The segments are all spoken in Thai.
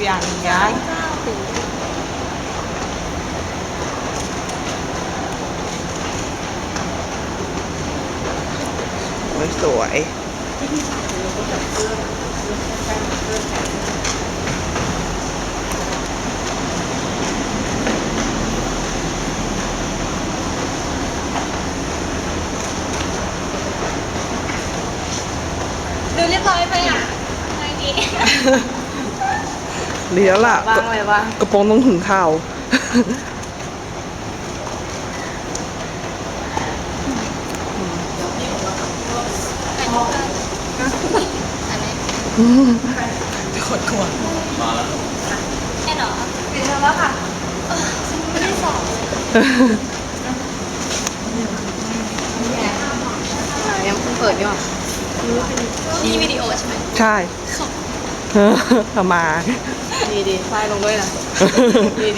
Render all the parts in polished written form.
อย่างย้ายสวยดูเรียบร้อยไปอ่ะอะไรดีเลี้ยวล่ะบ้างเลยว่ากระโปรงต้องถึงเข่าขดขวดแค่หรอปิดเทอมแล้วค่ะฉันไม่ได้สอบยังเพิ่งเปิดอยู่นี่วิดีโอใช่ไหมใช่ทำมาดีไฟลงด้วยนะดี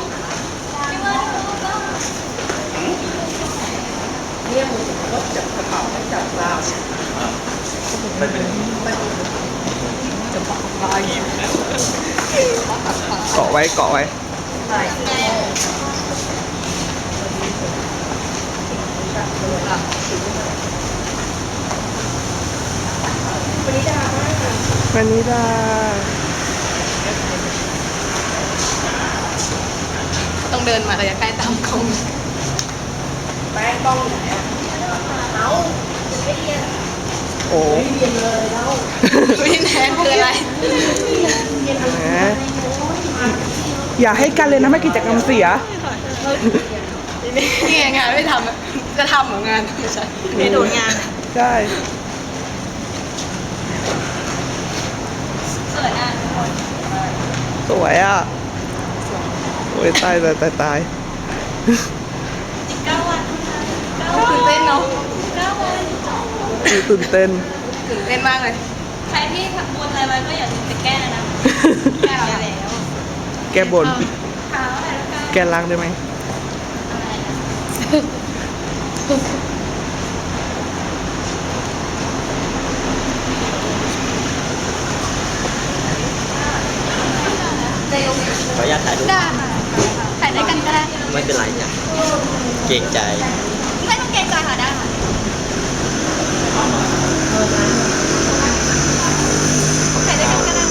เกาะไว้เกาะไว้วันนี้ดาต้องเดินมาระยะใกล้ตามกล้องแป้งกล้องอยู่ไหนเอาโอ้วินแทนคืออะไรแหมอย่าให้กันเลยนะไม่กิจกรรมเสียนี่ไงงานไม่ทำอะจะทำเหมือนงานไม่ใช่ไม่โดนงานใช่สวยอ่ะทุกคนสวยอ่ะโอ้ยตายตายอีก9 วันตื่นเต้นเนาะ9 วันตื่นเต้นตื่นเต้นมากเลย ใครที่ทำบุญอะไรไว้ก็อย่าลืมไปแก้นะ แก้แล้วแกบนเท้าอะไรแล้วกันแกล้างได้ไหมขออนุญาตถ่ายรูปได้ค่ะถ่ายด้วยกันก็ได้ไม่เป็นไรจ้ะเกรงใจไม่ต้องเกรงใจค่ะได้ค่ะถ่ายด้วยกันก็ได้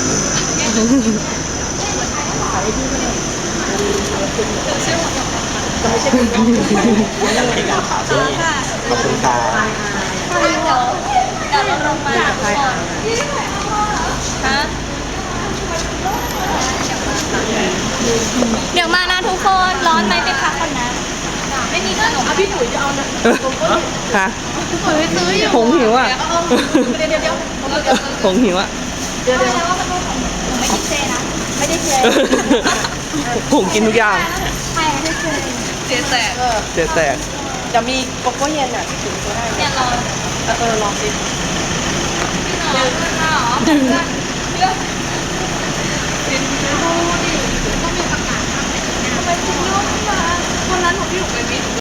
ในการถามด้วยขอบคุณค่ะเดี๋ยวเราลงมาก่อนฮะเดี๋ยวมานะทุกคนร้อนไหมไปพักก่อนนะ ไม่มีขนมพี่หนุ่ยจะเอานะฮะหนุ่ยซื้ออยู่ผงหิวอ่ะเดี๋ยวผงหิวอ่ะแล้วว่ามันเป็นของหนูไม่กินเจนะ ไม่ได้เจผงกินทุกอย่างใช่ไม่ได้เจแตกเจ๊แตกจะมีโกโก้เย็นอ่ะถึงจะได้เนี่ยรอลองสิเดี๋ยวมาเหรอเดี๋ยวดูดิต้องมีประกาศทำไหนทำไมคุณยุ่งมาวันนั้นหนูพี่หนูไปมิ